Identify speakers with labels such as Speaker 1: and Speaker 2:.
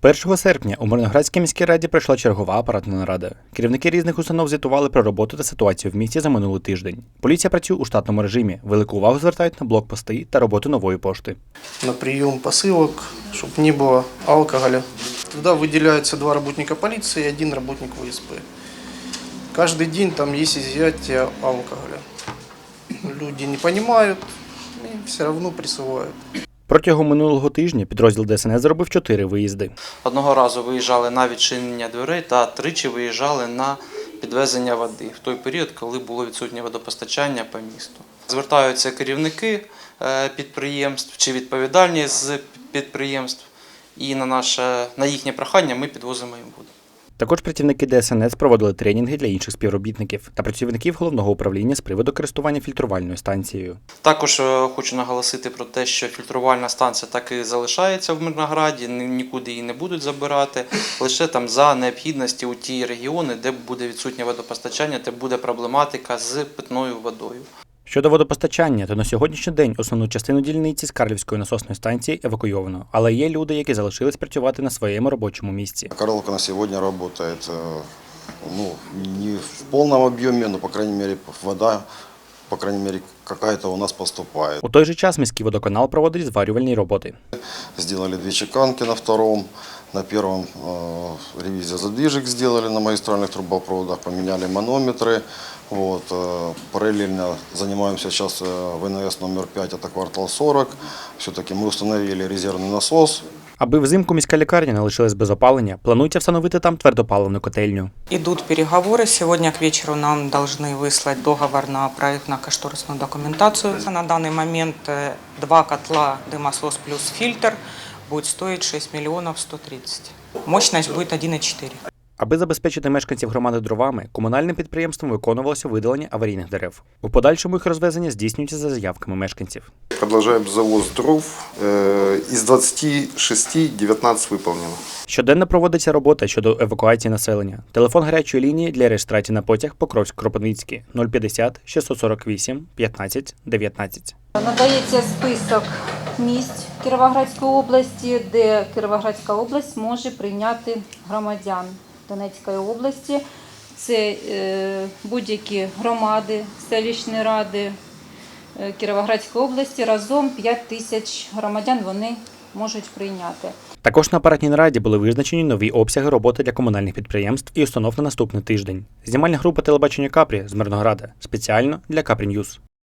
Speaker 1: 1 серпня у Мирноградській міській раді пройшла чергова апаратна нарада. Керівники різних установ звітували про роботу та ситуацію в місті за минулий тиждень. Поліція працює у штатному режимі. Велику увагу звертають на блокпости та роботу нової пошти.
Speaker 2: На прийом посилок, щоб не було алкоголю. Туди виділяються 2 працівника поліції і 1 працівник ВСП. Кожен день там є изъятие алкоголя. Люди не розуміють і все одно присувають.
Speaker 1: Протягом минулого тижня підрозділ ДСНС зробив 4 виїзди.
Speaker 3: Одного разу виїжджали на відчинення дверей та 3 виїжджали на підвезення води в той період, коли було відсутнє водопостачання по місту. Звертаються керівники підприємств чи відповідальні з підприємств, і на їхнє прохання ми підвозимо їм воду.
Speaker 1: Також працівники ДСНС проводили тренінги для інших співробітників та працівників головного управління з приводу користування фільтрувальною станцією.
Speaker 3: Також хочу наголосити про те, що фільтрувальна станція так і залишається в Мирнограді, нікуди її не будуть забирати, лише там за необхідності у ті регіони, де буде відсутнє водопостачання, де буде проблематика з питною водою.
Speaker 1: Щодо водопостачання, то на сьогоднішній день основну частину дільниці з Карлівської насосної станції евакуйовано, але є люди, які залишились працювати на своєму робочому місці.
Speaker 4: Карловка на сьогодні працює не в повному об'ємі, але, по крайней мере, вода, какая-то у нас поступає.
Speaker 1: У той же час міський водоканал проводить зварювальні роботи.
Speaker 4: Зробили 2 чеканки на втором, на первом ревизию задвижек сделали на магистральных трубопроводах, поменяли манометры. Параллельно занимаемся сейчас ВНС номер 5, это квартал 40. Все-таки мы установили резервный насос.
Speaker 1: Аби взимку міська лікарня не лишилась без опалення, планується встановити там твердопаливну котельню.
Speaker 5: Идут переговоры. Сегодня к вечеру нам должны выслать договор на проектно-кошторисную документацию. На данный момент 2 котла дымосос плюс фильтр будет стоить 6 миллионов 130. Мощность будет 1,4.
Speaker 1: Аби забезпечити мешканців громади дровами, комунальним підприємством виконувалося видалення аварійних дерев. У подальшому їх розвезення здійснюється за заявками мешканців.
Speaker 6: Продовжуємо завоз дров. Із 26 19 виконано.
Speaker 1: Щоденно проводиться робота щодо евакуації населення. Телефон гарячої лінії для реєстрації на потяг Покровськ-Кропивницький 050 648 15 19.
Speaker 7: Надається список місць Кіровоградської області, де Кіровоградська область може прийняти громадян Донецької області. Це будь-які громади, селищні ради Кіровоградської області. Разом 5 тисяч громадян вони можуть прийняти.
Speaker 1: Також на апаратній нараді були визначені нові обсяги роботи для комунальних підприємств і установ на наступний тиждень. Знімальна група телебачення Капрі з Мирнограда спеціально для Капрі Ньюс.